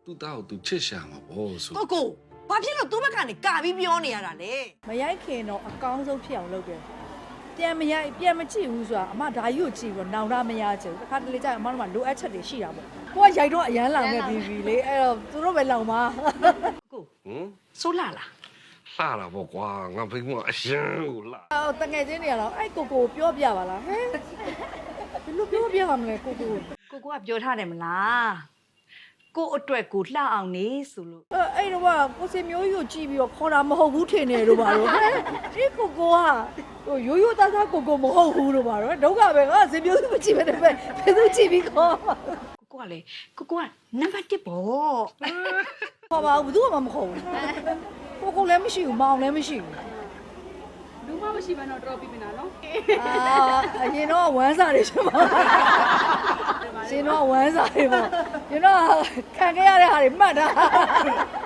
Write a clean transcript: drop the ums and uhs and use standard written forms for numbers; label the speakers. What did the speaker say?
Speaker 1: သူ့သားကိုသူချစ်ရှာမှာပေါ့ဆို
Speaker 2: ကိုဘာဖြစ်လို့သူ့ဘက်ကနေကာပြီးပြောနေရတာလဲ
Speaker 3: မရိုက်ခင်တော့အကောင်းဆုံးဖြစ်အောင်လုပ်တယ်ပြန်မရိုက်ပြန်မကြည့်ဘူးဆိုတာအမဓာကြီးကိုကြည့်ပြီးတော့နောင်တမရချင်ဘူးတစ်ခါတလေကျရင်အမတို့ကလိုအပ်ချက်တွေရှိတာပေါ့ကိုကရိုက်တော့အရန်လောင်နေပြီလေအဲ့တော့သူတို့ပဲလောင်ပါ
Speaker 2: ကိုဆိုးလာလား
Speaker 1: လှတာပေါ့ကွာငါဖိမအရင်ကိုလှ
Speaker 3: အော်တငယ်ချင်းတွေကတော့အဲ့ကိုပြောပြပါလားဟဲ့ဘယ်လိုပြောပြရမလဲကို
Speaker 2: ကပြောထားတယ်မလားကိုအတွက်ကိုလှအောင်နေဆိုလို့
Speaker 3: အဲ့တော့ကိုစင်မျိုးကြီးကိုကြည့်ပြီးတော့ခေါ်တာမဟုတ်ဘူးထင်နေတော့ပါတော့ဟဲ့ဒီကိုကရိုးရိုးသားသားကိုမဟုတ်ဘူးလို့ပါတော့ဒုက္ခပဲငါစင်မျိုးကြီးမကြည့်ပဲဘယ်သူကြည့်ပြီးခေါ်
Speaker 2: ကိုကလေကိုကနံပါတ်1ပေါ့
Speaker 3: ခေါ်ပါဘူးဘယ်သူမှမခေါ်ဘူးကိုလည်းမရှိဘူးမောင်လည်းမရှိဘူး
Speaker 4: လူမမရှိဘဲတော့ drop ပြီးပြီနော်
Speaker 3: အရင်တော့ဝမ်းစာတွေရှင်ပါရှင်တော့ဝမ်းစာတွေပေါ့ရှင်တော့ခံခဲ့ရတဲ့ဟာတွေမှတ်တာ